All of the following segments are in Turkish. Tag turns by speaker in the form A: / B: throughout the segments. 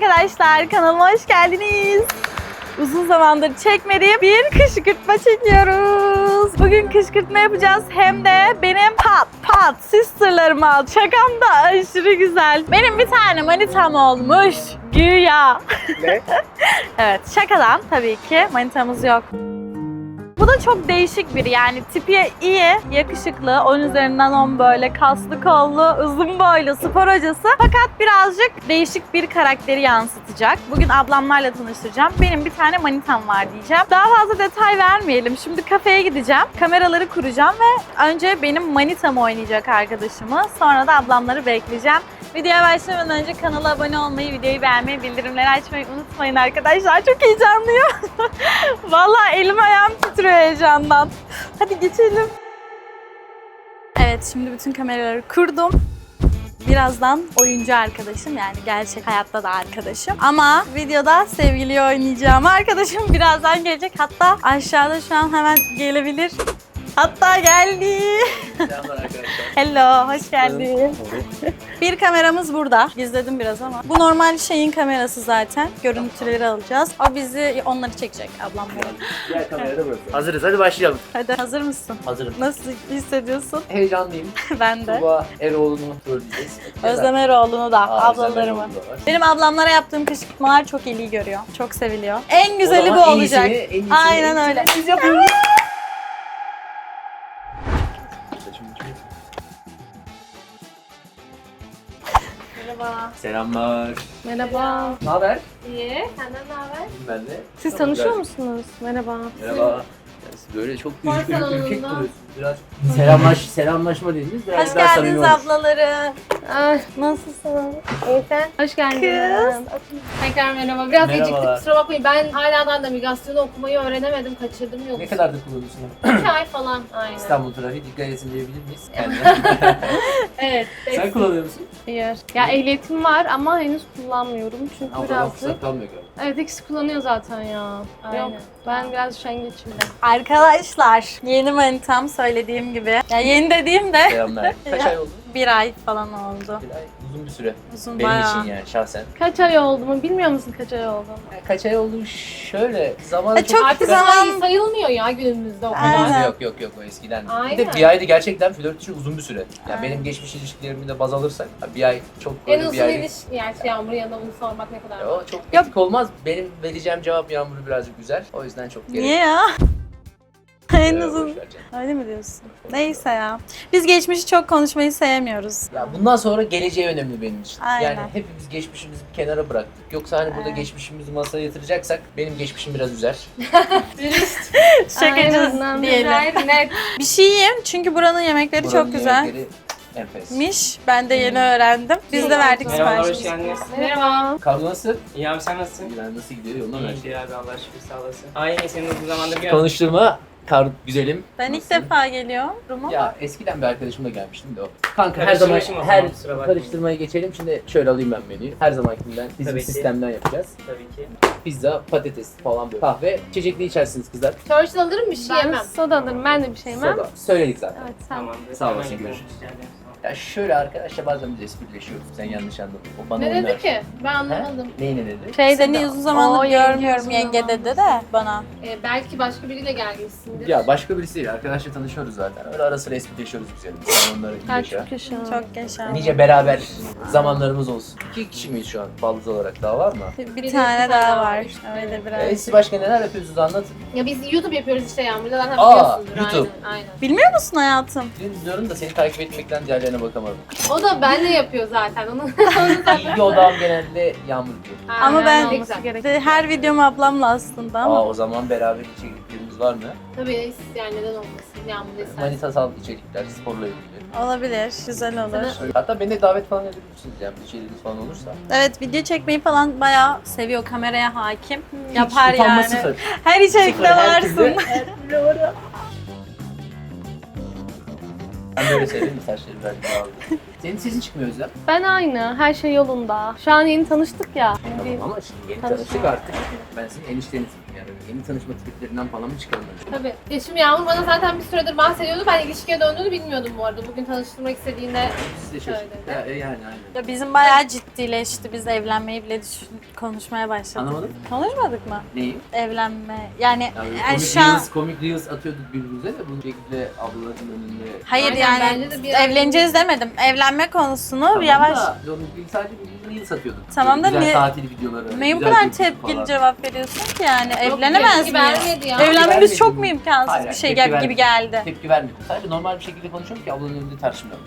A: arkadaşlar, kanalıma hoş geldiniz. Uzun zamandır çekmediğim bir kışkırtma çekiyoruz. Bugün kışkırtma yapacağız, hem de benim pat sisterlarıma. Şakam da aşırı güzel. Benim bir tane manitam olmuş güya.
B: Ne?
A: Evet, şakadan tabii ki, manitamız yok. Bu da çok değişik biri, yani tipi iyi, yakışıklı, 10 üzerinden 10, böyle kaslı kollu, uzun boylu, spor hocası. Fakat birazcık değişik bir karakteri yansıtacak. Bugün ablamlarla tanıştıracağım. Benim bir tane manitam var diyeceğim. Daha fazla detay vermeyelim. Şimdi kafeye gideceğim, kameraları kuracağım ve önce benim manitamı oynayacak arkadaşımı. Sonra da ablamları bekleyeceğim. Videoya başlamadan önce kanala abone olmayı, videoyu beğenmeyi, bildirimleri açmayı unutmayın arkadaşlar. Çok heyecanlıyım. Vallahi elim ayağım titriyor heyecandan. Hadi geçelim. Evet, şimdi bütün kameraları kurdum. Birazdan oyuncu arkadaşım, yani gerçek hayatta da arkadaşım. Ama videoda sevgiliyi oynayacağım arkadaşım birazdan gelecek. Hatta aşağıda şu an hemen gelebilir. Hatta geldi.
B: Selamlar arkadaşlar.
A: Hello, hoş geldin. Bir kameramız burada. Gizledim biraz ama. Bu normal şeyin kamerası zaten. Görüntüleri alacağız. O bizi, onları çekecek ablamları.
B: Diğer kamerada burası. Hazırız, hadi başlayalım.
A: Hadi, hazır mısın?
B: Hazırım.
A: Nasıl hissediyorsun?
B: Heyecanlıyım.
A: Ben de.
B: Tuba Eroğlu'nu göreceğiz.
A: Özlem Eroğlu'nu da,
B: Aa, Özlem
A: ablalarımı.
B: Eroğlu da var.
A: Benim ablamlara yaptığım kışkırtmalar çok ilgi görüyor. Çok seviliyor. En güzeli bu
B: O zaman
A: olacak.
B: en iyisini
A: Aynen öyle.
B: Biz yapıyoruz.
A: Merhaba.
B: Selamlar.
C: Merhaba.
B: Ne haber?
C: İyi. Senden ne haber?
B: Ben de.
C: Siz
B: Çok
C: tanışıyor
B: güzel.
C: musunuz? Merhaba.
B: Merhaba. Siz böyle çok
C: Spor
B: ürkek
C: salonunda.
B: duruyorsunuz. Biraz selamlaşma dediniz. Biraz
A: Hoş
B: daha
A: geldiniz
B: samimi olmuş.
A: ablaları.
C: Ay, nasılsın? İyi sen? Hoş geldin. Tekrar merhaba. Biraz
B: Merhabalar.
C: geciktik, kusura bakmayın. Ben hala da navigasyonu okumayı öğrenemedim. Kaçırdım yolu.
B: Ne kadardır kullanıyorsun?
C: 2 ay falan. Aynen.
B: İstanbul trafiği dikkat etsin diyebilir miyiz? Kendine.
C: Evet.
B: Sen kullanıyor musun?
C: Hayır. Ya ehliyetim var ama henüz kullanmıyorum. Çünkü
B: Ama
C: birazcık...
B: fırsat kalmıyor galiba.
C: Evet, ikisi kullanıyor zaten ya.
A: Aynen.
C: Yok. Ben biraz üşengeçim de.
A: Arkadaşlar, yeni manitam söylediğim gibi. Ya yeni dediğim de
B: Selamlar. Kaç
A: Ya.
B: ay oldu?
A: 1 ay falan oldu.
B: Bir ay. Uzun bir süre.
A: Uzun
B: Benim
A: bayağı.
B: için yani şahsen.
C: Kaç ay oldu mu? Bilmiyor musun kaç ay oldu?
B: Kaç ay oldu? Şöyle zamanı
A: çok
C: Artık
A: zaman-
C: zaman sayılmıyor ya günümüzde o kadar.
A: Aynen.
B: Yok o eskiden. Bir
C: Aynen.
B: de bir ayda gerçekten flört için uzun bir süre. Yani
A: Aynen.
B: benim geçmiş ilişkilerimi de baz alırsak bir ay çok
C: En
B: böyle
C: uzun
B: bir ay.
C: ilişki, yani Yağmur yanında bunu sormak ne kadar?
B: O çok etik olmaz. Benim vereceğim cevap Yağmur'u birazcık güzel. O yüzden çok gerek.
A: Niye ya? En
B: Boş
A: uzun.
B: ver canım.
A: Öyle mi diyorsun? Neyse ya. Biz geçmişi çok konuşmayı sevmiyoruz.
B: Ya bundan sonra geleceği önemli benim için.
A: Aynen.
B: Yani hepimiz geçmişimizi bir kenara bıraktık. Yoksa hani burada
A: Evet.
B: geçmişimizi masaya yatıracaksak benim geçmişim biraz üzer.
A: Şakacı
C: Aynen,
A: diyelim.
C: güzel, net.
A: Bir şey yiyeyim çünkü buranın yemekleri
B: Buranın
A: çok güzel.
B: yemekleri enfes.
A: Miş. Ben de yeni öğrendim. Biz de verdik
D: Merhabalar, hoş
A: siparişimizi.
D: geldiniz.
C: Merhaba.
B: Kavga nasıl?
D: İyi abi sen nasılsın?
B: İlan nasıl gidiyor? Yoluna mı?
D: İyi abi Allah şükür sağ olasın. Aynı senin uzun zamandır bir
B: Konuşturma. Güzelim.
A: Ben ilk
B: Nasılsın?
A: defa geliyorum. Ama
B: Ya eskiden bir arkadaşımla gelmiştim de o. Kanka her
D: Karıştırma
B: zaman
D: işim o
B: her
D: zaman, kusura bakmayın.
B: karıştırmaya geçelim. Şimdi şöyle alayım ben menüyü. Her zamankinden bizim
D: Tabii ki.
B: sistemden yapacağız.
D: Tabii ki.
B: Pizza, patates falan böyle. Kahve, içecek ne içersiniz kızlar?
C: Churchill alırım bir şey Ben yemem. soda alırım, ben de bir şey yemem.
B: Soda. Söyledik zaten.
C: Evet sen.
D: Tamamdır.
B: Sağ olasın,
D: Hemen
B: görüşürüz.
D: yapıyorum. Rica ederim.
B: Ya şöyle arkadaşlar bazen biz esprileşiyoruz. Sen yanlış anladın. O bana
C: Ne
B: oynar.
C: dedi ki? Ben
B: He?
C: anlamadım.
B: Neyi ne dedi?
C: Şey
A: seni
C: dedi,
A: uzun zamandır
C: "Oo, yenge
A: görmüyorum
C: uzun
A: yenge
C: zamandır."
A: dedi de bana.
C: Belki başka biriyle gelmişsindir.
B: Ya başka birisi değil. Arkadaşla tanışıyoruz zaten. Öyle ara sıra esprileşiyoruz güzel. Sen onları iyi yaşa.
C: Çok yaşa.
A: Çok yaşa.
B: Nice beraber zamanlarımız olsun. 2 kişi miyiz şu an baldız olarak? Daha var mı?
A: Bir tane daha var. Öyle biraz.
B: Siz başka neler yapıyorsunuz anlatın.
C: Ya biz YouTube yapıyoruz işte Yağmur'da zaten
B: Aa,
C: biliyorsundur.
B: YouTube.
C: Aynen.
A: Bilmiyor musun hayatım?
B: Diyorum da seni takip etmekten diğerlerine bakamadım.
C: O da benle yapıyor zaten. Onu
B: İlgi odağım genelde Yağmur diyor.
A: Ama ben-
C: ne güzel.
A: Her videom ablamla aslında ama.
B: O zaman beraber içeriklerimiz var mı?
C: Tabii yani neden olmasın Yağmur'da istersen.
B: Manitasal içerikler, sporla ilgili.
A: Olabilir. Güzel olur.
B: Hatta beni de davet falan edebilirsiniz yani içeriğiniz falan olursa.
A: Evet, video çekmeyi falan bayağı seviyor. Kameraya hakim. Yapar
B: Hiç utanma
A: yani.
B: sıfır.
A: Her içerikte
B: Sıfır, her
A: varsın.
B: türlü. Ben böyle severim saçları belki daha Senin sesin çıkmıyor Özlem.
C: Ben aynı. Her şey yolunda. Şu an yeni tanıştık ya.
B: Tamam ama şimdi yeni
C: Tanışma.
B: tanıştık artık. Ben senin eniştenizim yani. Yeni tanışma triplerinden falan mı çıkalım önce?
C: Tabii. Ya şimdi Yağmur bana zaten bir süredir bahsediyordu. Ben ilişkiye döndüğünü bilmiyordum bu arada. Bugün tanıştırmak istediğinde
B: Siz de
C: Şöyle.
B: yani aynen.
A: Ya bizim bayağı ciddileşti. Biz evlenmeyi bile konuşmaya başladık.
B: Anlamadım.
A: Konuşmadık mı?
B: Neyi?
A: Evlenme. Yani,
B: Yani
A: şu an...
B: komik reels atıyorduk birbirimize de bu şekilde ablaların önünde.
A: Hayır
C: Aynen,
A: yani
C: bence de bir
A: evleneceğiz demedim. Evlenme konusunu
B: Tamam
A: yavaş...
B: da, biz sadece birbirimize reels atıyorduk.
A: Tamam da
B: Böyle güzel
A: niye-
B: tatil videoları.
A: Niye bu
B: güzel
A: kadar
B: görüntü
A: tepkili
B: falan.
A: cevap veriyorsun ki yani?
C: Yok,
A: Evlenemez
C: tepki
A: miyiz?
C: vermedi ya.
A: Evlenmemiz
B: Vermedim.
A: çok mu imkansız
B: Hayır,
A: bir şey
B: tepki
A: gibi
B: vermedim.
A: geldi?
B: Tepki vermedim. Sadece normal bir şekilde konuşuyorum ki ablanın önünde tartışmıyorum.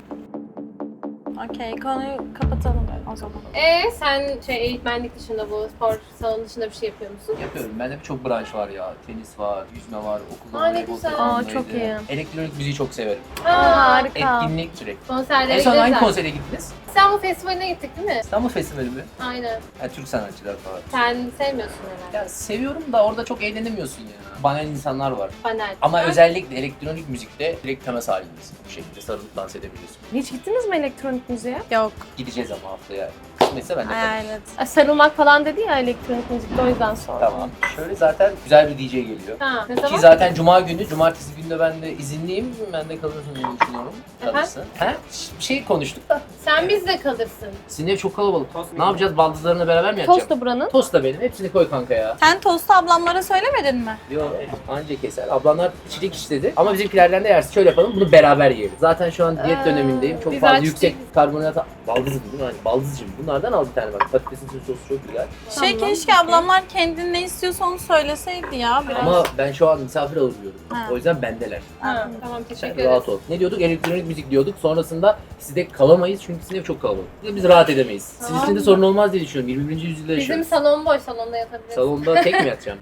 A: Okey, konuyu kapatalım o zaman.
C: Sen eğitmenlik dışında bu spor salonu dışında bir şey yapıyor musun?
B: Yapıyorum. Bende birçok branş var ya. Tenis var, yüzme var, okulda
C: Aa, ne
B: voleybol
C: güzel.
B: takımındaydı.
C: Aa, çok iyi.
B: Elektronik müziği çok severim.
C: Harika.
B: Etkinlik sürekli.
C: Konserlere
B: En son
C: gideriz
B: hangi
C: zaten.
B: konsere gittiniz?
C: İstanbul Festivali'ne gittik değil mi?
B: İstanbul Festivali mi?
C: Aynen.
B: Ha, Türk sanatçılar falan.
C: Sen sevmiyorsun herhalde.
B: Ya seviyorum da orada çok eğlenemiyorsun ya. Banal insanlar var.
C: Panel.
B: Ama
C: Ha?
B: özellikle elektronik müzikte direkt temas halindesin. Bu şekilde sarılıp dans edebiliyorsun.
C: Hiç gittiniz mi elektronik müziğe?
A: Yok,
B: Gideceğiz ama haftaya. Kısmetse ben de kalırım.
A: hayalet.
C: Sarılmak falan dedi ya elektronik müzikte, o yüzden sordum.
B: Tamam. Şöyle zaten güzel bir DJ geliyor.
C: Ha, ne
B: Ki
C: zaman?
B: zaten cuma günü, cumartesi günü de ben de izinliyim. Ben de kalırsın diye düşünüyorum. Kalırsın. He? Bir şey konuştuk da.
C: Sen bizde kalırsın.
B: Sizin ev çok kalabalık.
D: Tost mu
B: Ne yapacağız? Baldızlarına beraber mi yapacağız?
C: Tost da buranın.
B: Tost da benim. Hepsini koy kanka ya.
A: Sen tostu ablamlara söylemedin mi?
B: Yok anca keser. Ablamlar çilik istedi. Ama bizimkilerden de yersin. Şöyle yapalım. Bunu beraber yiyelim. Zaten şu an diyet dönemindeyim. Çok
C: biz
B: fazla
C: açtık.
B: yüksek karbonhidrat. Baldız değil mi? Hani baldızcım. Bunlardan al bir tane bak. Patatesin sosu çok güzel.
A: Şey
C: Tamam,
A: keşke
C: okey.
A: ablamlar kendin ne istiyorsa onu söyleseydi ya biraz.
B: Ama ben şu an misafir alıyorum.
A: Ha.
B: O yüzden bendeler.
C: Ha, tamam, teşekkür
B: Sen
C: ederiz.
B: rahat ol. Ne diyorduk? Elektronik müzik diyorduk. Sonrasında sizde kalamayız çünkü sizin ev çok kalabalık. Biz rahat edemeyiz.
C: Tamam.
B: Sizin için de sorun olmaz diye düşünüyorum. 21. yüzyılda
C: Bizim
B: yaşıyoruz.
C: salon boş, salonda yatabiliriz.
B: Salonda tek mi yatacağım?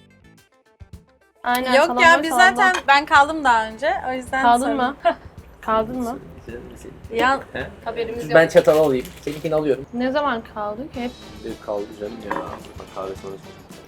C: Aynen,
A: Yok
C: salon
A: ya
C: boş,
A: biz
C: salonda.
A: zaten ben kaldım daha önce o yüzden
C: Kaldın
A: sorun.
C: mı? Kaldın mı?
A: Ya
B: He?
C: Haberimiz yok.
B: Ben çatal alayım. Seninkini alıyorum.
C: Ne zaman kaldık? Hep
B: Kaldı canım ya. Bak kahve sonrası.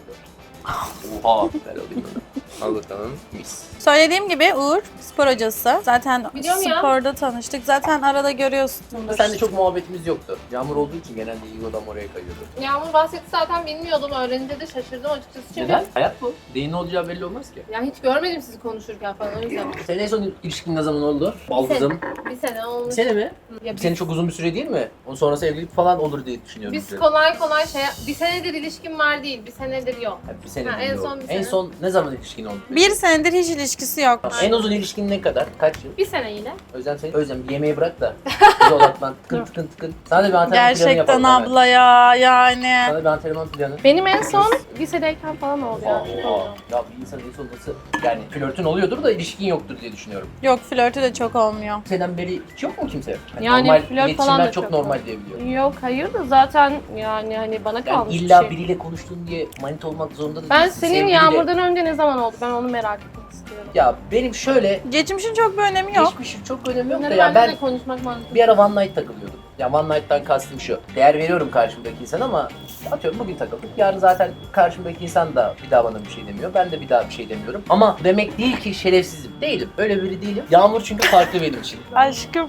B: Oha. Ben alayım onu. Al bakalım. Mis.
A: söylediğim gibi Uğur spor hocası. Zaten
C: Biliyorum ya.
A: sporda tanıştık. Zaten arada görüyorsundur.
B: Seninle çok muhabbetimiz yoktu. Yağmur olduğu için genelde Eagle'dan oraya kayıyordu.
C: Yağmur bahsetti zaten, bilmiyordum. Öğrenince de şaşırdım açıkçası. Çünkü
B: Neden? Hayat bu. Neyin ne olacağı belli olmaz ki.
C: ya hiç görmedim sizi konuşurken falan, o yüzden.
B: Senin en son ilişkin ne zaman oldu? Baldızım.
C: Bir sene olmuş.
B: Bir sene mi?
C: Ya
B: Bir sene çok uzun bir süre değil mi? Onun sonrası evlilik falan olur diye düşünüyorum.
C: biz kolay kolay bir senedir ilişkim var değil, bir senedir yok.
B: Bir sene
C: Ha,
B: değil
C: en
B: o.
C: son bir
B: En
C: sene.
B: son ne zaman ilişkin oldu?
A: Bir senedir hiç ilişkisi yok.
B: En uzun ilişkin ne kadar? Kaç yıl?
C: Bir sene yine.
B: Özlem seni. Özlem bir yemeği bırak da. Bizi odaklan. Tıkın tıkın tıkın. Sana da bir antrenman planı
A: Gerçekten
B: yapalım hemen.
A: abla ya yani.
B: Sana bir antrenman planı.
C: Benim en son lisedeyken falan oldu ya.
B: Aa, ya bir insan en son nasıl yani flörtün oluyordur da ilişkin yoktur diye düşünüyorum.
A: Yok flörtü de çok olmuyor.
B: Senden beri hiç yok mu kimse?
C: Yani
B: normal,
C: flört falan
B: iletişimler
C: da
B: çok
C: çok
B: normal
C: yok.
B: diye biliyorum.
C: Yok, hayır da zaten yani hani bana
B: Yani
C: kalmış
B: illa
C: bir şey.
B: biriyle konuştun diye manita olmak zorunda da
C: Ben
B: değilsin.
C: senin
B: Sevgiliyle-
C: Yağmur'dan önce ne zaman oldu? Ben onu merak etmek istiyorum.
B: Ya benim şöyle
A: Geçmişin çok bir önemi yok.
B: geçmişim çok önemi yok da
C: Bunları
B: ya
C: bende
B: ben
C: de konuşmak mantıklı.
B: bir ara one night takılıyordum. Ya one night'tan kastım şu. Değer veriyorum karşımdaki insana ama atıyorum bugün takıldık. Yarın zaten karşımdaki insan da bir daha bana bir şey demiyor. Ben de bir daha bir şey demiyorum. Ama demek değil ki şerefsizim. Değilim. Öyle biri değilim. Yağmur çünkü farklı benim için.
A: Aşkım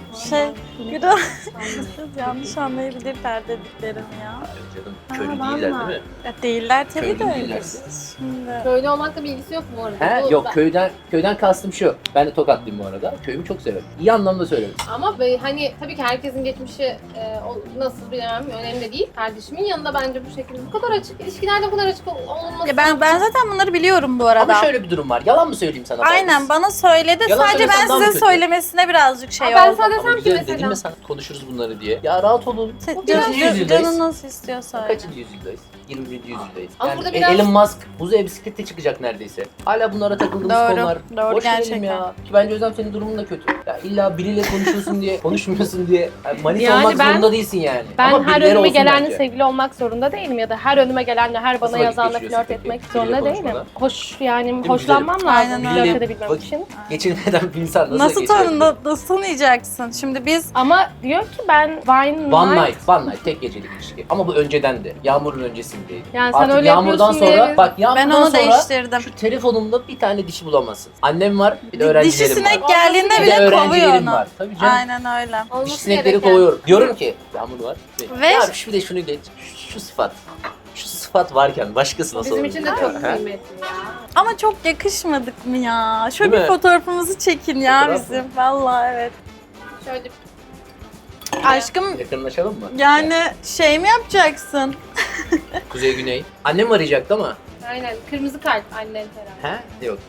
A: Güra yanlış anlayabilirler dediklerim ya.
B: Ay canım
C: Aa,
B: köylü
C: vallahi.
B: değiller değil mi?
A: Ya değiller tabii
B: Köylü
A: de.
B: değiller.
A: Şimdi.
C: Köylü olmakla bir ilgisi yok bu arada.
B: He
C: Bu-
B: yok
C: ben-
B: köyden kastım şu. Ben de Tokatlıyım bu arada. Köyümü çok severim. İyi anlamda söylerim.
C: Ama hani tabii ki herkesin geçmişi nasıl bilemem, önemli değil. Kardeşimin yanında bence bu şekilde bu kadar açık, ilişkilerde bu kadar açık olması.
A: Ya ben zaten bunları biliyorum bu arada.
B: Ama şöyle bir durum var. Yalan mı söyleyeyim sana?
A: Aynen bana söyledi.
B: Yalan
A: Sadece ben
B: söylesem daha mı
A: size
B: kötü?
A: söylemesine birazcık şey
C: Aa, ben
A: oldu.
C: sana
B: Ama
C: desem ki
B: güzel
C: mesela.
B: dedim mi sana konuşuruz bunları diye. Ya rahat olun.
C: Bu biraz-
B: Kaçıncı yüzyıldayız?
A: Canın nasıl istiyorsa öyle.
B: Kaçıncı yüzyıldayız? 21. yüzyıldayız.
C: Ama
B: Yani
C: burada biraz-
B: Elon Musk buza bisiklete çıkacak neredeyse. Hala bunlara takıldığımız
A: Doğru,
B: konular.
A: doğru
B: Boş verelim
A: gerçekten.
B: ya. Ki bence Özlem senin durumun da kötü. Ya illa biriyle konuşuyorsun diye, konuşmuyorsun diye. Yani manita
C: Yani
B: olmak
C: ben-
B: zorunda değilsin yani.
C: Ben
B: Ama
C: her
B: birileri
C: önüme
B: olsun
C: gelenle
B: bence.
C: sevgili olmak zorunda değilim ya da her önüme gelenle, her bana
B: vakit
C: yazanla
B: geçiriyorsun
C: flört
B: peki
C: etmek
B: biriyle
C: zorunda değilim.
B: konuşmadan?
C: Hoş yani
B: mi?
C: hoşlanmam lazım
A: Aynen öyle.
C: flört edebilmem
B: Vakit
C: için.
B: geçirmeden bir insan nasıl
A: Nasıl
B: geçirebilir?
A: nasıl tanıyacaksın? Şimdi biz
E: Ama diyor ki ben
B: One night tek gecelik ilişki. Ama bu önceden de. Yağmur'un öncesindeydi.
E: Yani sen
B: Artık
E: öyle
B: Yağmur'dan
E: yapıyorsun
B: sonra
E: diye-
B: bak Yağmur'dan
A: ben onu
B: sonra
A: değiştirdim.
B: şu telefonumda bir tane dişi bulamazsın. Annem var, bir de öğrencilerim
A: Dişi
B: var.
A: sinek geldiğinde
B: Bir de
A: bile kovuyor
B: öğrencilerim
A: onu.
B: var. Tabii canım.
A: Aynen öyle.
B: Dişi
C: Olması
B: sinekleri
C: gereken.
B: kovuyorum. Diyorum ki Yağmur var.
A: Ve-
B: Ya bir de şunu geç. Şu sıfat. Şu sıfat varken başkası nasıl
C: Bizim
B: olur?
C: için de çok
B: Ha?
C: kıymetli ya.
A: Ama çok yakışmadık mı ya? Şöyle
B: Değil
A: bir
B: mi?
A: fotoğrafımızı çekin ya
B: Fotoğraf mı?
A: bizim. Vallahi evet.
C: Şöyle
A: Aşkım
B: Yakınlaşalım mı?
A: yani şey mi yapacaksın?
B: Kuzey Güney. Annem arayacaktı ama.
C: aynen kırmızı kart annen herhalde.
B: He? Yok.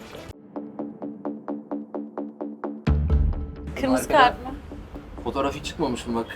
A: Kırmızı
B: Arkada-
A: kart mı?
B: Fotoğrafı çıkmamış mı bak.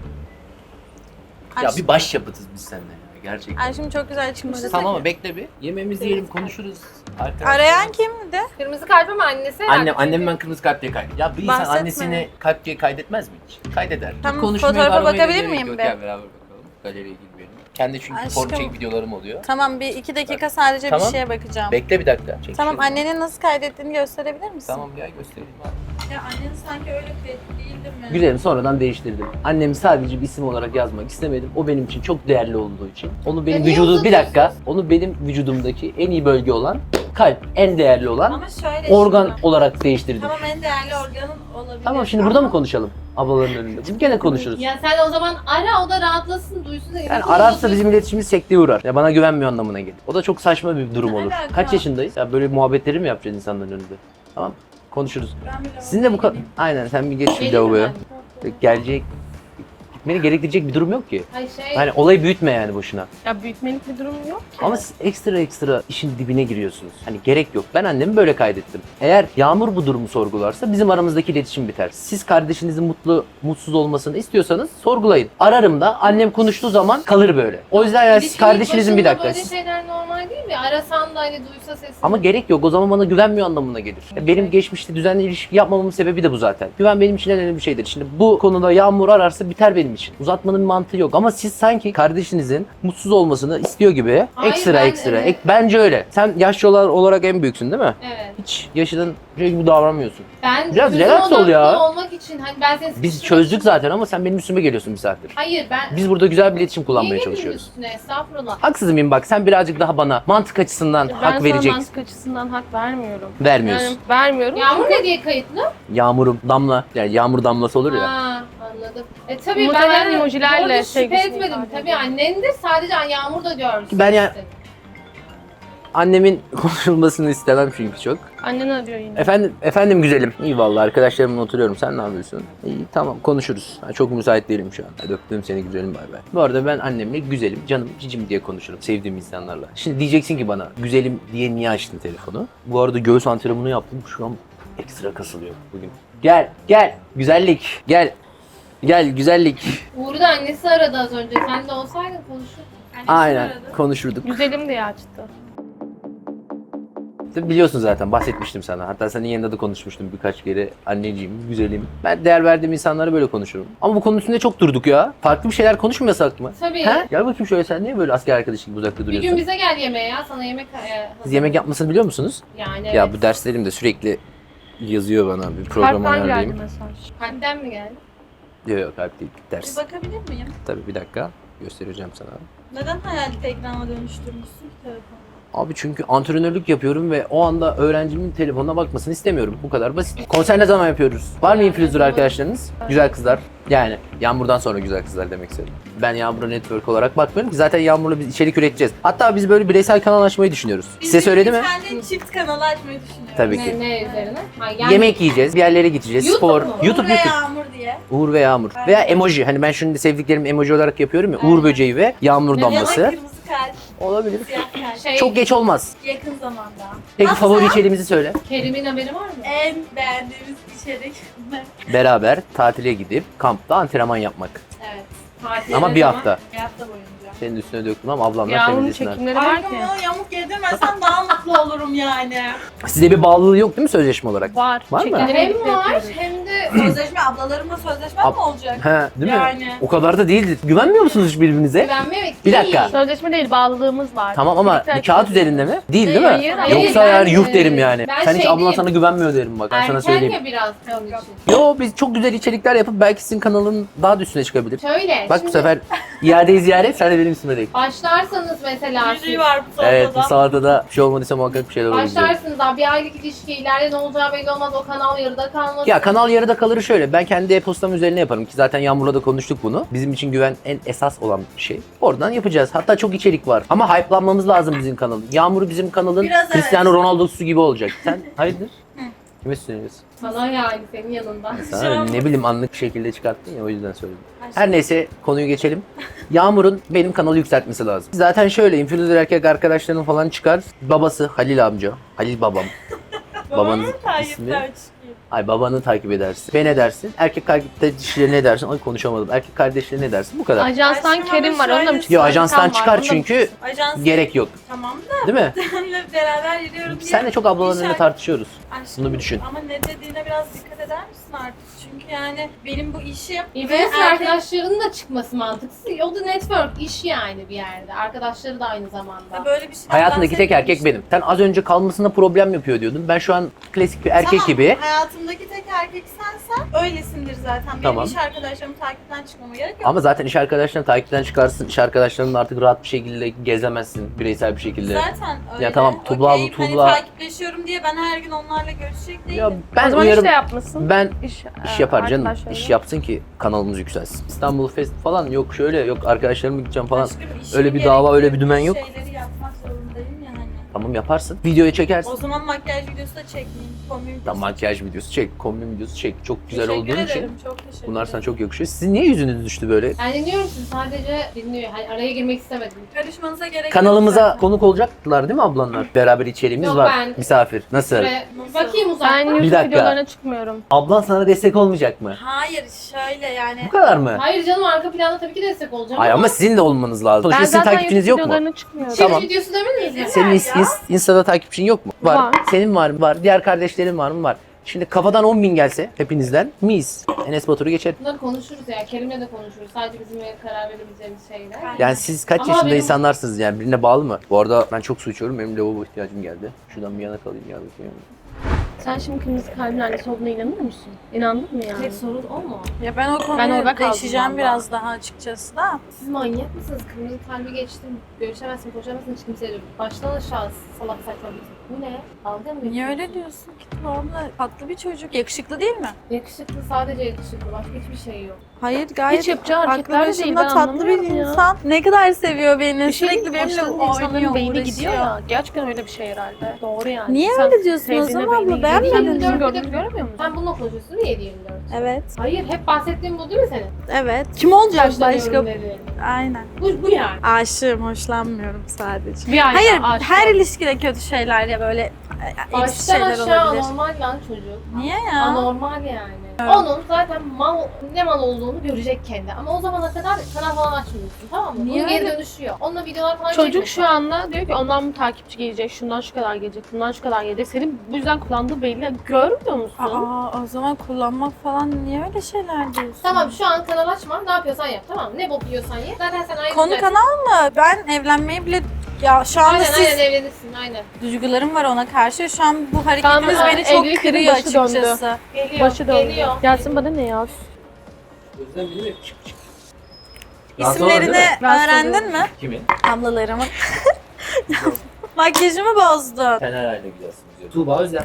A: Ay,
B: Ya bir baş yapıtız biz seninle ya. Gerçekten.
A: Ay şimdi çok güzel çıkmıştı.
B: Tamam ama bekle bir. Yemeğimizi yiyelim, konuşuruz. Arkadaşlar.
A: Arayan kimdi?
C: Kırmızı kart ama annesi herhalde.
B: Annem ben kırmızı kalp diye kaydet. Ya bir insan
A: Bahsetme.
B: annesini kalp diye kaydetmez mi hiç? Kaydeder.
A: Tamam,
B: Konuşmaya
A: fotoğrafa
B: aramaya
A: bakabilir
B: gerek
A: miyim
B: yok.
A: be?
B: Gel beraber bakalım. Galeriye girmeyelim. Kendi çünkü
A: Aşkım.
B: form çek videolarım oluyor.
A: Tamam bir 2 dakika sadece
B: Tamam.
A: bir şeye bakacağım.
B: Bekle bir dakika. Çek
A: Tamam
B: şunu.
A: annenin nasıl kaydettiğini gösterebilir misin?
B: Tamam gel göstereyim abi.
A: Ya annen sanki öyle değildi mi?
B: Güzelim sonradan değiştirdim. Annemi sadece bir isim olarak yazmak istemedim. O benim için çok değerli olduğu için. Onu benim
C: niye
B: vücudu bir
C: uzatıyorsun?
B: dakika. Onu benim vücudumdaki en iyi bölge olan kalp, en değerli olan
A: Ama şöyle
B: organ
A: şimdi.
B: olarak değiştirdim.
A: Tamam en değerli organın olabilir.
B: Tamam şimdi burada mı konuşalım? Ablaların önünde. Biz gene konuşuruz.
C: Ya sen o zaman ara o da rahatlasın duysun.
B: Yani ararsa bizim iletişimimiz sekteye uğrar. Ya bana güvenmiyor anlamına gelir. O da çok saçma bir durum
A: Ne
B: olur.
A: alaka?
B: Kaç yaşındayız? Ya böyle muhabbetleri mi yapacağız insanların önünde? Tamam konuşuruz.
A: Ben bile
B: Sizin de bu kadar... Aynen sen bir geç şu
C: Gelin
B: lavaboya.
C: mi?
B: Gelecek... Gitmeni gerektirecek bir durum yok ki.
C: Ay şey.
B: Yani olayı büyütme yani boşuna.
E: Ya büyütmelik bir durum yok ki.
B: Ama siz ekstra işin dibine giriyorsunuz. Hani gerek yok. Ben annemi böyle kaydettim. Eğer Yağmur bu durumu sorgularsa bizim aramızdaki iletişim biter. Siz kardeşinizin mutsuz olmasını istiyorsanız sorgulayın. Ararım da annem konuştuğu zaman kalır böyle. O yüzden yani siz
C: İlişkinin
B: kardeşinizin bir
C: başında
B: dakika.
C: Böyle şeyler normal değil mi? Arasan da hani duysa sesini.
B: Ama gerek yok. O zaman bana güvenmiyor anlamına gelir. Ya benim geçmişte düzenli ilişki yapmamamın sebebi de bu zaten. Güven benim için en önemli bir şeydir. Şimdi bu konuda Yağmur ararsa biter benim için. Uzatmanın bir mantığı yok. Ama siz sanki kardeşinizin mutsuz olmasını istiyor gibi
C: Hayır,
B: ekstra.
C: evet.
B: Bence öyle. Sen yaşlı olarak en büyüksün değil mi?
C: Evet.
B: Hiç yaşından şey gibi davranmıyorsun.
C: Ben
B: Biraz
C: çözüm
B: relax ol
C: odaklı
B: ya.
C: olmak için hani ben seni
B: Biz
C: sıkıştırmak
B: çözdük
C: için-
B: zaten ama sen benim üstüme geliyorsun bir saattir.
C: Hayır ben
B: Biz burada güzel bir iletişim
C: Niye
B: kullanmaya
C: geliyorsun
B: çalışıyoruz.
C: üstüne? Estağfurullah.
B: Haksız mıyım bak sen birazcık daha bana mantık açısından
E: Ben
B: hak
E: sana
B: vereceksin.
E: mantık açısından hak vermiyorum.
B: Vermiyorsun.
E: Yani vermiyorum.
C: Yağmur ne diye kayıtlı?
B: Yağmurum damla. Yani yağmur damlası olur ya.
C: Ha, anladım. Tabii ben
E: Muhtemelen
C: yani
E: emojilerle
C: orada şüphe
E: sevgisini
C: etmedim.
E: ifade
C: Tabii
E: ediyor.
C: annendir. Sadece Yağmur da görsün.
B: Ben ya- Annemin konuşulmasını istemem çünkü çok.
E: Annen arıyor yine.
B: Efendim güzelim. İyi vallahi arkadaşlarımla oturuyorum. Sen ne yapıyorsun? İyi tamam konuşuruz. Ben çok müsait değilim şu an. Hadi öptüm seni güzelim bay bay. Bu arada ben annemle güzelim, canım, cicim diye konuşurum sevdiğim insanlarla. Şimdi diyeceksin ki bana güzelim diye niye açtın telefonu? Bu arada göğüs antrenmanı yaptım. Şu an ekstra kasılıyor bugün. Gel güzellik gel. Gel güzellik.
C: Uğur'u da annesi aradı az önce. Sen de olsaydın konuşurduk.
B: Aynen konuşurduk.
E: Güzelim diye açtı.
B: Biliyorsun zaten bahsetmiştim sana. Hatta senin yanında da konuşmuştum birkaç kere. Anneciğim, güzelim. Ben değer verdiğim insanlara böyle konuşurum. Ama bu konu üstünde çok durduk ya. Farklı bir şeyler konuşmayasak mı?
C: Tabii.
B: He? Gel bakayım şöyle sen niye böyle asker arkadaşı gibi uzakta
C: Bir
B: duruyorsun?
C: gün bize gel yemeğe ya. Sana yemek
B: Siz yemek yapmasını biliyor musunuz?
C: Yani evet.
B: Ya bu derslerim de sürekli yazıyor bana bir program
E: Kalpten geldi
B: ayarlayayım.
E: mesaj.
C: Kalpten mi geldi?
B: Yok kalp değil ders.
A: Bir bakabilir miyim?
B: Tabii bir dakika göstereceğim sana.
A: Neden hayali ekrana dönüştürmüşsün ki telefonu?
B: Abi çünkü antrenörlük yapıyorum ve o anda öğrencimin telefonuna bakmasını istemiyorum. Bu kadar basit. Konser ne zaman yapıyoruz? Var mı influencer arkadaşlarınız? Güzel kızlar. Yani Yağmur'dan sonra güzel kızlar demek istedim. Ben Yağmur'a network olarak bakmıyorum ki zaten Yağmur'la biz içerik üreteceğiz. Hatta biz böyle bireysel kanal açmayı düşünüyoruz. Size söyledi mi?
A: Kendi çift kanalı açmayı düşünüyorum.
B: Tabii ki.
C: Ne üzerine? Ha, yani
B: Yemek yiyeceğiz, bir yerlere gideceğiz,
C: YouTube
B: spor.
C: mu?
B: YouTube.
A: Ve Yağmur diye.
B: Uğur ve Yağmur. Veya emoji. Hani ben şimdi sevdiklerim emoji olarak yapıyorum ya. Uğur böceği ve Yağmur
C: Ne
A: Ya da
B: damlası.
A: kırmızı kalp,
B: Olabilir.
A: siyah kalp.
C: Şey,
B: Çok geç olmaz.
A: Yakın zamanda.
B: Peki
A: Nasıl?
B: favori içeriğimizi söyle.
C: Kerim'in haberi var mı?
A: En beğendiğimiz içerik.
B: Beraber tatile gidip kampta antrenman yapmak.
C: Evet. Tatilde
B: Ama bir
C: zaman-
B: hafta.
A: Bir hafta boyunca.
B: Senin üstüne döktüm ama ablamlar
E: Yağmur'un
B: temizlesinler.
E: çekimleri var
A: Aşkım
E: ki.
A: onu yamuk yedirmesen daha mutlu olurum yani.
B: Size bir bağlılığı yok değil mi sözleşme olarak?
E: Var.
B: Var mı?
E: Çekimleri
C: Hem
E: birlikte
C: var
E: yapıyoruz.
C: hem de
A: Sözleşme ablalarımla sözleşme mi olacak?
B: He, değil mi?
A: Yani.
B: O kadar da değildi. Güvenmiyor musunuz hiç birbirinize?
C: Güvenmemek
B: Bir
C: değil.
B: dakika.
E: Sözleşme değil, bağlılığımız var.
B: Tamam ama
E: Birlikte
B: bir kağıt
E: hareket
B: üzerinde mi? Değil değil mi?
E: Hayır, hayır.
B: Yoksa
C: Ben,
B: yani yuh derim yani.
C: ben
B: Sen hiç
C: şey
B: ablan
C: diyeyim.
B: sana güvenmiyor derim bak. Ben sana
C: Erken
B: söyleyeyim.
C: ya biraz onun için.
B: Yo biz çok güzel içerikler yapıp belki sizin kanalın daha da üstüne çıkabilir.
C: Şöyle,
B: Bak bu
C: şimdi
B: sefer iadeyi ziyaret sen de benim üstüme değil.
C: başlarsanız mesela siz,
A: Yüzüğü var bu salatada.
B: Evet bu salatada bir şey olmadıysa muhakkak bir şeyler olur. diyorum.
C: başlarsınız daha bir aylık ilişki ileride ne olacağı belli olmaz, o kanal yarıda kalmaz.
B: Ya kanal yarıda kalır şöyle. Ben kendi e-postam üzerine yaparım ki zaten Yağmur'la da konuştuk bunu. Bizim için güven en esas olan bir şey. Oradan yapacağız. Hatta çok içerik var. Ama hype'lanmamız lazım bizim kanalın. Yağmur bizim kanalın
A: Biraz
B: Cristiano Ronaldo'su gibi olacak. Sen hayırdır? Kime söylüyorsun?
C: Sana yani senin yanında.
B: Sana ne bileyim anlık bir şekilde çıkarttın ya o yüzden söyledim. Her neyse konuyu geçelim. Yağmur'un benim kanalı yükseltmesi lazım. Zaten şöyle influencer erkek arkadaşlarının falan çıkar. Babası Halil amca, Halil babam. Babanın ismi. Ay babanı takip edersin. Ve ne dersin? Erkek kardeşleri ne dersin? Ay konuşamadım. Erkek kardeşleri ne dersin? Bu kadar.
E: Ajanstan
A: Aşkım
E: Kerim
A: ama
E: var. Onunla mı
A: şöyle-
E: çıkıyor?
B: Yo ajanstan
E: Hakan var,
B: çıkar
E: onunla mı
B: çünkü
A: Ajans
B: gerek yok.
A: tamam da
B: Değil mi?
A: benimle beraber yürüyorum diye.
B: Sen de çok ablaların önünde tartışıyoruz.
A: Aşkım,
B: Bunu bir düşün.
A: Ama ne dediğine biraz dikkat eder misin artık? Çünkü yani benim bu işim
C: Influencer
A: erkek-
C: arkadaşlarının da çıkması mantıksız. O da network, iş yani bir yerde. Arkadaşları da aynı zamanda.
A: böyle bir şey
B: Hayatındaki tek erkek benim. Sen az önce kalmasında problem yapıyor diyordun. Ben şu an klasik bir erkek gibi.
A: Hayatımdaki tek erkek sensen öylesindir zaten. Benim
B: Tamam.
A: iş arkadaşlarımı takipten çıkmama gerek yok.
B: Ama zaten iş arkadaşlarını takipten çıkarsın. İş arkadaşlarınla artık rahat bir şekilde gezemezsin. Bireysel bir şekilde.
A: Zaten öyle.
B: Ya tamam, Tuğba
A: Okey,
B: bu Tuğba-
A: Hani takipleşiyorum diye ben her gün onlarla görüşecek değilim.
B: Ya
E: O
B: ben
E: zaman
B: uyarım.
E: işte yapmasın.
B: Ben
E: İş,
B: İş yapar canım.
E: arkadaşlarıyla.
B: İş yapsın ki kanalımız yükselsin. İstanbul Fest falan yok şöyle yok arkadaşlarımla gideceğim falan.
A: Aşkım, işim
B: Öyle bir dava, öyle bir dümen yok.
A: Şeyleri yapmak zorundayım ya hani.
B: Tamam yaparsın. Videoya çekersin.
A: O zaman makyaj videosu da çekmeyeyim. Kombi videosu.
B: Tam makyaj videosu çek, kombin videosu çek. Çok güzel
A: Teşekkür
B: olduğun
A: ederim,
B: için
A: çok teşekkür
B: bunlar sana
A: ederim.
B: çok yakışıyor. Sizin niye yüzünüz düştü böyle?
C: Ben dinliyorum sizi, sadece dinliyor. Hani araya girmek istemedim.
A: Karışmanıza gerek yok
B: Kanalımıza
A: zaten.
B: konuk olacaklar değil mi ablanlar? Beraber içeriğimiz
C: Yok,
B: var.
C: ben-
B: Misafir. Nasıl?
C: Ve bakayım
E: Ben
C: uzaktan.
E: YouTube
B: dakika.
E: videolarına çıkmıyorum.
B: Ablan sana destek olmayacak mı?
A: Hayır şöyle yani.
B: Bu kadar mı?
C: Hayır canım, arka planda tabii ki destek olacağım.
B: Ay ama sizin de olmanız lazım. Sonuçta
E: Ben
B: sizin
E: zaten
B: takipçiniz
E: YouTube
B: yok mu?
E: videolarına çıkmıyorum.
C: Çeviri
B: Tamam.
C: videosu demediniz mi?
B: Senin
A: ya.
B: Insta'da takipçin yok mu? Var.
E: Var.
B: Senin var mı? Var. Diğer kardeşlerin var mı? Var. Şimdi kafadan 10.000 gelse hepinizden mis. Enes Batur'u geçer.
C: Bunları konuşuruz ya. Kerim'le de konuşuruz. Sadece bizim karar verebileceğimiz şeyler.
B: Yani siz kaç
C: Ama
B: yaşında
C: benim-
B: insanlarsınız yani birine bağlı mı? Bu arada ben çok su içiyorum. Benim lavabo ihtiyacım geldi. Şuradan bir yana kalayım ya.
E: Sen şimdi kırmızı kalbin annesi olduğuna inanıyor musun? İnandın mı yani?
C: Tek sorun o mu?
A: Ya ben o konuyu
E: Ben orada kaldım
A: değişeceğim
E: valla.
A: biraz daha açıkçası da.
C: Siz manyak mısınız? Kırmızı kalbi geçtim. Görüşemezsin, konuşamazsın hiç kimseyle. Baştan aşağı salak saçma bir. Bu ne? Dalga mı?
A: Niye öyle
C: geçiyorsun?
A: diyorsun ki Tuğba? Tatlı bir çocuk. Yakışıklı değil mi?
C: Yakışıklı, sadece yakışıklı. Başka hiçbir şey yok.
A: Hayır gayet
E: Hiç yapacağı
A: aklı
E: hareketler de değil.
A: başında
E: Ben
A: tatlı bir
E: anlamıyorum ya.
A: insan. Ne kadar seviyor beni.
E: Bir şey
A: Sürekli benimle
E: insanların
A: oynuyor,
E: beyni
A: uğraşıyor.
E: gidiyor ya. Gerçekten öyle bir şey herhalde. Doğru yani.
A: Niye
E: Sen
A: öyle diyorsun o
E: sevdiğine
A: zaman
E: beyni
A: abla?
E: gidiyor.
A: Beğenmedin
E: Sen
A: mi?
E: bizim gördüğünü görmüyor musun?
C: Sen bununla konuşuyorsun diye 24.
A: Evet.
C: Hayır, hep bahsettiğim bu değil mi senin?
A: Evet. Kim olacak başka?
C: Hoşlanıyorum dedi.
A: Aynen.
C: Bu yani.
A: Aşığım, hoşlanmıyorum sadece.
E: Bir ayda
A: Hayır,
E: aşık
A: her
E: oldum.
A: ilişkide kötü şeyler ya böyle eksi
C: Baştan
A: şeyler
C: aşağı
A: olabilir.
C: anormal lan çocuk.
A: Niye ya?
C: Anormal yani. Onun zaten ne mal olduğunu görecek kendi. Ama o zamana kadar kanal falan açmıyorsun, tamam mı?
A: Niye
C: Bunun geri
A: öyle?
C: dönüşüyor. Onunla videolar falan
E: Çocuk
C: çekmiyorsun.
E: şu anda diyor ki ondan bu takipçi gelecek, şundan şu kadar gelecek, bundan şu kadar gelecek. Senin bu yüzden kullandığı belli. Görmüyor musun?
A: Aa, o zaman kullanmak falan niye öyle şeyler diyorsun?
C: Tamam, şu an kanal açma. Ne yapıyorsan yap, tamam mı? Ne bok yiyorsan ye. Zaten sen ayrılacaksın.
A: Konu kanal mı? Ben evlenmeyi bile... Ya şu anda
C: Aynen
A: siz
C: aynen evlenirsin aynen.
A: duygularım var ona karşı. Şu an bu hareketiniz
E: Tamam,
A: beni çok
E: evlilik
A: kırıyor
E: başı döndü.
A: açıkçası.
C: Geliyor.
E: Başı döndü.
C: Geliyor.
E: Gelsin bana ne ya?
B: Özlem bilir mi? Çık çık.
A: İsimlerini
E: Rahatsız
A: öğrendin mi?
B: Kimin?
A: Ablalarımın. Makyajımı bozdun.
B: Sen herhalde güzelsin diyor. Tuğba Özlem.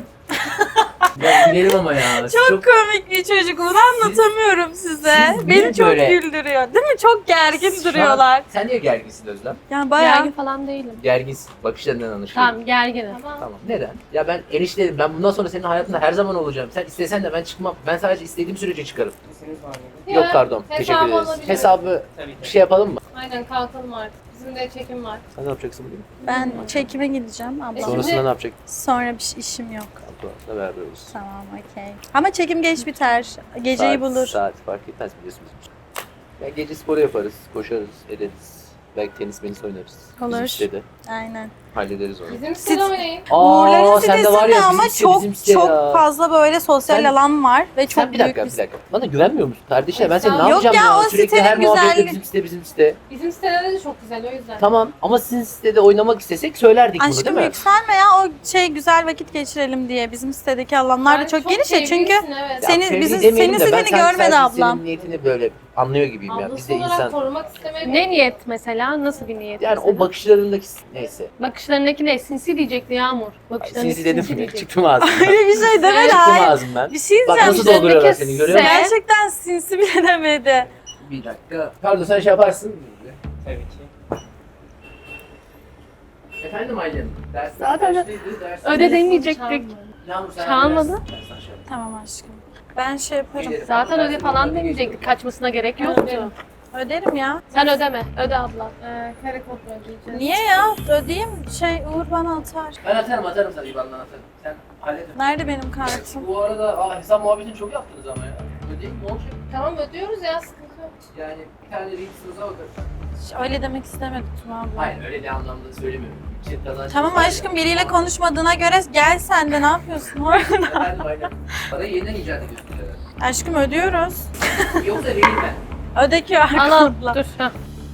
B: Ya gülerim ama ya.
A: Çok komik bir çocuk. Bunu anlatamıyorum size.
B: siz niye
A: Beni çok
B: böyle-
A: güldürüyor. Değil mi? Çok gergin
B: Şu an-
A: duruyorlar.
B: Sen niye gerginsin Özlem?
A: Yani bayağı...
E: Gergin falan değilim.
B: Gerginsin. Bakışlarından anlaşılıyor.
E: Tamam gerginim.
C: Tamam.
B: Tamam. Neden? Ya ben enişteyim. Ben bundan sonra senin hayatında her zaman olacağım. Sen istesen de ben çıkmam. Ben sadece istediğim sürece çıkarım.
D: İsminiz var mıydı?
B: Yok pardon.
C: Hesabı
B: Teşekkür ederiz.
C: alabilirim.
B: Hesabı
D: Tabii ki.
B: bir şey yapalım mı?
C: Aynen, kalkalım artık. Bizim de çekim var.
B: Sen ne yapacaksın bugün?
A: Ben çekime gideceğim abla.
B: Sonrasında ne yapacak?
A: Sonra bir işim yok.
B: Abla beraber oluruz.
A: Tamam, okey. Ama çekim geç biter. Geceyi bulur.
B: Saat fark etmez biliyorsunuz. Ya gece sporu yaparız, koşarız, ederiz. Belki tenis oynarız.
A: Olur.
B: Bizim sitede.
A: Aynen.
B: Hallederiz onu.
C: Bizim sitede oynayın.
A: Uğurların
B: sen de
A: sitesinde
B: var ya
A: ama
B: bizim site,
A: çok
B: bizim site
A: çok
B: ya.
A: fazla böyle sosyal
B: Sen-
A: alan var ve çok
B: Sen bir dakika,
A: büyük
B: bir dakika. Bana güvenmiyor musun kardeşim? Ben seni ne
C: Yok
B: yapacağım
A: ya,
B: ya?
A: o
B: Sürekli
A: sitenin
B: her muhabbette
A: güzelliği.
B: bizim site.
C: Bizim sitede de çok güzel o yüzden.
B: Tamam ama sizin sitede oynamak istesek söylerdik bunu değil
A: Aşkım
B: mi?
A: yükselme ya, o şey güzel vakit geçirelim diye. Bizim sitedeki alanlar da
C: Ben
A: çok geniş ya çünkü
C: sevgilisin, evet.
B: Ya
A: senin-
B: sevgili
A: bizim-
B: demeyelim
A: senin
B: de ben
A: siteni
B: sanki
A: görmedi
B: sadece
A: ablam.
B: Senin niyetini böyle anlıyor gibiyim ya. Biz
C: Ablası
B: de
C: olarak
B: insan.
C: korumak istemek.
E: Ne niyet mesela? Nasıl bir niyet
B: Yani
E: mesela?
B: o bakışlarındaki neyse.
E: Bakışlarındaki ne? Sinsi diyecekti Yağmur. Bakışlarındaki
B: Sinsi dedim mi?
E: diyecekti.
B: Çıktım ağzımdan.
A: öyle bir şey demedi.
B: Çıktım
A: Hayır.
B: ağzımdan.
A: Bir şey
B: Bak
A: diyeceğim.
B: nasıl dolduruyorlar seni görüyor musun?
A: Gerçekten sinsi bile demedi.
B: Bir dakika. Pardon sen şey yaparsın.
D: Tabii ki.
B: Efendim Aylin. Ders
E: Zaten
B: kaçtaydı? Ders-
E: Öyle demeyecektik.
B: Yağmur, sen
E: Çalmadı.
B: ders- ben sana şey yaparım.
A: Tamam aşkım. Ben şey yaparım.
B: Gelirim.
E: Zaten öde
B: Dersin
E: falan
B: yanına
E: demeyecektik.
B: geçiyorum.
E: Kaçmasına gerek yoktu.
A: Öderim ya.
E: Sen ödeme. Öde abla.
C: Kare kontrol edeceğiz.
A: Niye ya? Ödeyeyim. Şey Uğur bana atar.
B: Ben atarım sana IBAN'dan atarım. Sen hallet.
A: Nerede benim kartım?
B: Bu arada hesap muhabbetini çok yaptınız ama ya. Ödeyim ne olacak?
C: Tamam ödüyoruz ya sıkıntı yok.
B: Yani bir tane reelsinize bakarız.
A: Öyle demek istemedim Tuna abla.
B: Hayır öyle de anlamda söylemiyorum. Çift kazancımız
A: Tamam
B: var ya.
A: aşkım, biriyle konuşmadığına göre gel sen de, ne yapıyorsun?
B: Efendim aynen. Parayı yeniden icat ediyorsun ya.
A: Aşkım ödüyoruz.
B: Yoksa vereyim ben.
A: Öde ki
E: Al al. Dur. Heh.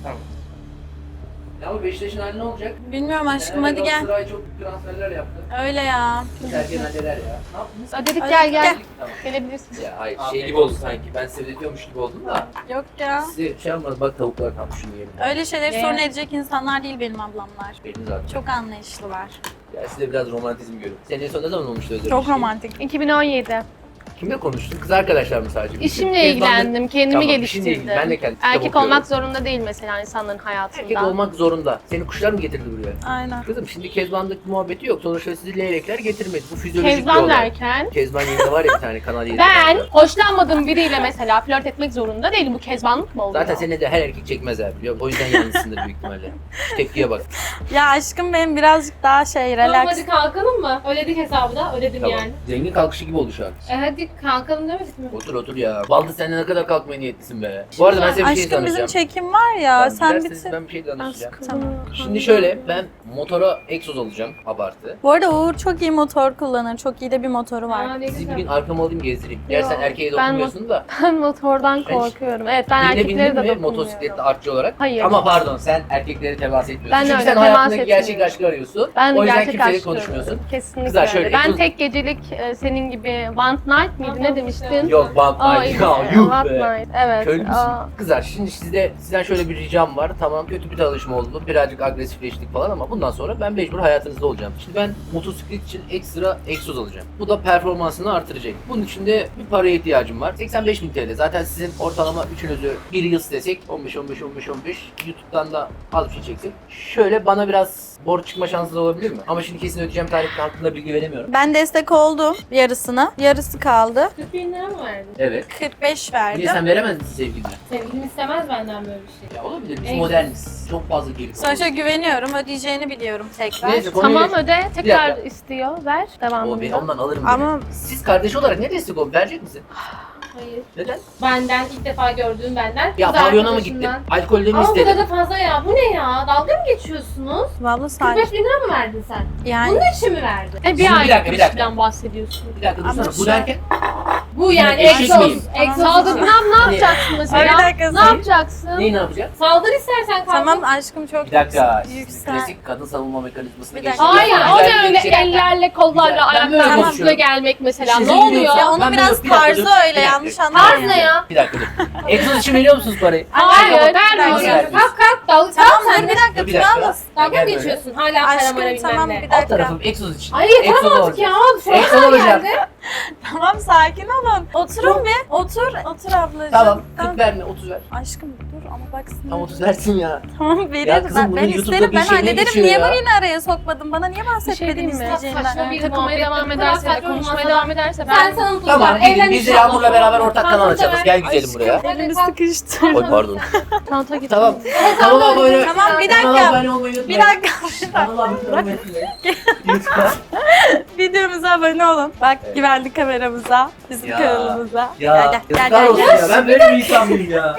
B: Ya ama Beşiktaş'ın hali ne olacak?
A: Bilmiyorum aşkım,
B: Fenerbahçe
A: hadi gel.
B: Galatasaray çok büyük transferler yaptı.
A: Öyle ya.
B: Sergen neler ya. Ne yaptınız?
E: Ödedik
A: Ödedik,
E: gel gel.
A: gel.
B: Tamam.
E: Gelebilirsin.
B: Ya hayır şey gibi oldu sanki. Ben size ödetiyormuş gibi oldum da.
A: Yok ya.
B: Size şey yapmadım. Bak tavuklar kalmış şunu yiyelim.
A: Öyle şeyleri
E: Ne?
A: sorun edecek insanlar değil benim ablamlar.
B: Benim zaten.
A: Çok anlayışlılar.
B: Ya size biraz romantizm görüyorum. Senin en son ne zaman olmuştu özel
A: Çok
B: bir şey?
A: romantik.
E: 2017.
B: Kimle konuştun? Kız arkadaşlar mı sadece?
E: İşimle
B: Kezban'la-
E: ilgilendim. Kendimi
B: Tamam, işinle
E: geliştirdim.
B: ilgili. Ben de kendi kitap
E: Erkek
B: okuyorum.
E: olmak zorunda değil mesela insanların hayatında.
B: Erkek olmak zorunda. Seni kuşlar mı getirdi buraya?
A: Aynen.
B: Kızım şimdi Kezban'daki muhabbeti yok. Sonuçta sizi leylekler getirmedi. Bu fizyolojik bir
E: Kezban
B: olay.
E: derken
B: Kezban yayında var ya bir tane Kanal 7'de.
E: ben hoşlanmadığım biriyle mesela flört etmek zorunda değilim. Bu kezbanlık mı oluyor?
B: Zaten seni de her erkek çekmez abi biliyor musun? O yüzden yalnızsındır büyük ihtimalle. Şu tepkiye bak.
A: Ya aşkım benim birazcık daha şey
C: Tamam
A: relax.
C: hadi kalkalım mı? Ödedik hesabı da ödedim
B: Tamam.
C: yani.
B: Zengin kalkışı gibi oldu şu an.
C: Hadi kalkalım demedik mi?
B: Otur ya. Baldı sen de ne kadar kalkmaya niyetlisin be. Bu arada ben size bir şey
A: Aşkım bizim
B: danışacağım.
A: çekim var ya,
B: Tamam,
A: sen
B: giderseniz
A: bitir.
B: Ben bir şey danışacağım.
A: Tamam.
B: Şimdi şöyle ben motora egzoz alacağım abartı.
A: Bu arada Uğur çok iyi motor kullanır. Çok iyi de bir motoru var.
C: Aa, ne
B: Sizi bir
C: güzel.
B: gün arkama alayım gezdireyim. Gerçi sen
E: Yok,
B: erkeğe
E: ben
B: dokunmuyorsun da.
E: Ben motordan korkuyorum. Evet ben
B: Birine
E: erkeklere
B: bindin
E: de
B: mi
E: dokunmuyorum.
B: motosikletli artçı olarak?
E: Hayır.
B: Ama pardon sen erkeklere temas etmiyorsun.
E: Ben de
B: Çünkü
E: öyle,
B: sen
E: temas
B: hayatındaki gerçek
E: etmiyorum.
B: aşkı arıyorsun.
E: Ben
B: o yüzden
E: gerçek
B: kimseyle
E: aşk
B: konuşmuyorsun.
E: diyorum. Kesinlikle
B: Kızlar şöyle,
E: öyle. Ben
B: egzoz-
E: tek gecelik senin gibi one night miydi ne demiştin?
B: Yok bak
E: Aa,
B: ya
E: iyi.
B: yuh
E: One
B: be.
E: night. Evet.
B: Köylü müsün?
E: Aa,
B: Kızlar şimdi sizden şöyle bir ricam var. Tamam kötü bir tanışma oldu. Birazcık agresifleştik falan ama bundan sonra ben mecbur hayatınızda olacağım. Şimdi ben motosiklet için ekstra egzoz alacağım. Bu da performansını artıracak. Bunun için de bir paraya ihtiyacım var. 85.000 TL. Zaten sizin ortalama üçünüzü bir yıl desek 15 YouTube'dan da az bir şey çeksek. Şöyle bana biraz borç çıkma şansınız olabilir mi? Ama şimdi kesin ödeyeceğim tarih hakkında bilgi veremiyorum.
A: Ben destek oldum yarısını. Yarısı kaldı.
C: 40 bin lira mı verdin?
B: Evet.
A: 45
B: Niye
A: verdim.
B: sen veremez misin sevgiline?
C: Sevgilim istemez benden böyle bir şey.
B: Ya olabilir. Biz
C: En-
B: moderniz. Çok fazla geri
A: Sonuçta güveniyorum. Ödeyeceğini biliyorum tekrar.
B: Neyse, konuyu
E: tamam
B: geç.
E: öde. Tekrar
B: dakika.
E: istiyor. Ver.
B: O ben
E: Devamında.
B: ondan alırım.
A: Ama-
B: beni. Siz kardeş olarak ne destek olun? Verecek misin?
C: Hayır.
B: Neden?
C: Benden ilk defa gördüğüm benden.
B: Ya
C: kız
B: pavyona mı gittin?
C: arkadaşından.
B: Alkolde mi
C: Ama bu
B: istedin?
C: kadar fazla ya. Bu ne ya? Dalga mı geçiyorsunuz?
A: Vallahi sadece
C: 45 bin lira mı verdin sen?
A: yani
C: Bunun için mi verdin?
E: Bir
B: Şimdi bir
E: aylık
B: dakika, bir dakika.
E: ilişkiden bahsediyorsun.
B: Bir dakika
A: Ama
B: dursana. Bu
A: şu-
B: derken
C: Bu yani
B: eşek
C: egzoz.
B: miyim?
C: Egzoz.
E: Saldırgan ne yapacaksın mesela?
A: Bir dakika,
E: Ne
A: sen-
E: yapacaksın?
B: neyi ne yapacağız?
C: Saldır istersen kalk.
A: tamam aşkım, çok
B: Bir dakika.
A: yüksel.
B: Klasik kadın savunma mekanizmasına
A: Bir
B: geçtik.
A: dakika.
E: Hayır,
B: Ya,
E: o
B: güzel
E: ne
B: bir
E: öyle
B: şey.
E: ellerle, kollarla,
B: Güzel. Ben böyle
E: ayaklarla
B: konuşuyorum.
E: üstüne gelmek mesela.
B: Size
E: Ne
B: geliyorsa-
E: oluyor?
A: Ya onun
B: Ben
A: biraz
B: böyle- bir dakika
A: tarzı
B: dur.
A: öyle,
B: Bir dakika.
A: yanlış
C: Tarz
A: anlamayın.
C: ne ya?
B: Bir dakika dur. Egzoz için veriyor musunuz parayı?
E: Hayır,
A: Hayır,
E: vermiyorum.
B: Ver.
C: Kalk kalk. Dalga
A: Tamam
C: sen
A: dur
C: de.
A: bir dakika,
B: Dur bir dakika.
A: Tuna
C: Dalga mı
B: Gel böyle.
C: geçiyorsun? Hala
A: Aşkım,
C: paramara bilmem
A: tamam,
C: ne.
A: bir
B: Alt
A: dakika.
B: tarafım egzoz için.
C: Ay
B: Egzoz
C: yeter artık
B: olacak.
C: ya.
B: Egzoz
C: Sonra
B: olacak.
C: geldi.
A: Tamam, sakin olun. Oturun bir. Otur ablacığım.
B: Tamam. 40 verme 30 ver.
A: Aşkım dur ama baksın.
B: Tam 30 versin ya.
A: Tamam veririm.
B: Ya kızım, bunun
A: ben
B: YouTube'da
A: isterim,
B: bir
A: ben
B: şey ne
A: hallederim.
B: geçiyor
A: Niye
B: ya?
A: beni araya sokmadın? Bana niye
E: Bir şey
A: bahsetmedin
E: diyeyim mi?
A: isteyeceğinden?
C: Saçma bir
E: Takılmaya
C: muhabbet.
E: devam
C: Bu
E: ederse,
C: kadar
E: de
C: saçma
E: konuşmaya
C: olmasa
E: devam ederse
C: Sen
E: ben...
C: sana mutlu
B: Tamam.
C: Evlen
B: Biz de
C: inşallah.
B: Yağmur'la beraber ortak kanal
C: Tamam,
B: açalım.
C: tamam.
B: Gel güzelim buraya.
A: Elimi
C: kalk.
A: sıkıştı.
B: Oy pardon.
E: Çanta git.
B: Tamam. Kanala abone.
A: Tamam, bir
B: Kanala
A: dakika.
B: abone olmayı
A: Bir
B: unutmayın.
A: dakika.
B: Anılar hürmetine. YouTube'a.
A: Videomuza abone olun. Bak
B: Evet.
A: güvenlik kameramıza, bizim
B: Ya.
A: kanalımıza.
B: Ya
A: Gel
B: yazıklar olsun ya. Ben böyle bir insan mıyım ya?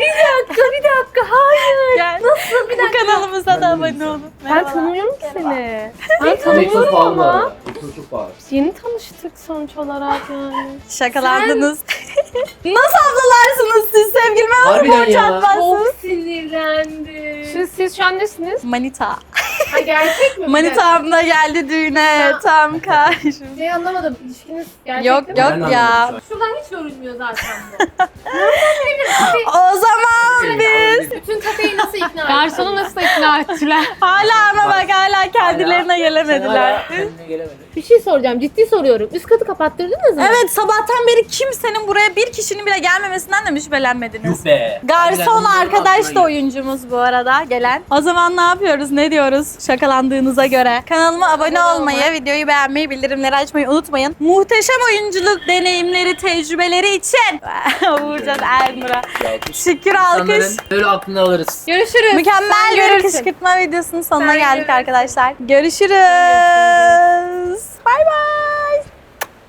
A: Gel. Nasıl? Bu kanalımıza da
B: Ben de
A: abone
B: insan.
A: olun.
E: Ben
A: Merhaba.
E: tanımıyorum ki seni. Ben
B: Çok
E: tanımıyorum
B: pahalı bu
E: ama.
B: arada. Çok pahalı.
E: Biz yeni tanıştık sonuç olarak yani.
A: Şakalandınız. Nasıl ablalarsınız siz sevgilime
B: Harbiden
A: borç
B: ya.
A: atmazsınız?
C: sinirlendim.
E: Siz şu an nesiniz?
A: Manita.
C: Ha gerçek mi?
A: Manitam da geldi düğüne. Tam karşım.
C: Şey anlamadım. İlişkiniz gerçek
A: Yok
C: değil mi?
A: yok
B: Ben de
A: ya.
B: anlamadım
C: Şuradan hiç görünmüyor zaten bu.
A: O zaman biz
C: Bütün kafeyi nasıl ikna ettin?
E: Garsonu nasıl ikna ettiler?
A: hala ama bak hala kendilerine
B: Sen
A: gelemediler.
B: hala kendine gelemedin.
C: Bir şey soracağım. Ciddi soruyorum. Üst katı kapattırdınız mı?
A: Evet sabahtan beri kimsenin buraya bir kişinin bile gelmemesinden de mi şüphelenmediniz?
B: Yuh be.
A: Garson
B: Harbiden
A: arkadaş
B: aklına
A: da
B: gir.
A: oyuncumuz bu arada gelen. O zaman ne yapıyoruz? Ne diyoruz? Şakalandığınıza göre. Kanalıma abone olmayı, videoyu beğenmeyi, bildirimleri açmayı unutmayın. Muhteşem oyunculuk deneyimleri, tecrübeleri için Uğurcan Ernur'a şükür alkış.
B: İnsanların böyle aklını alırız.
C: Görüşürüz.
A: Mükemmel
C: Sen
A: bir
C: görürsün.
A: kışkırtma videosunun sonuna
C: Sen
A: geldik
C: görürsün.
A: arkadaşlar. Görüşürüz.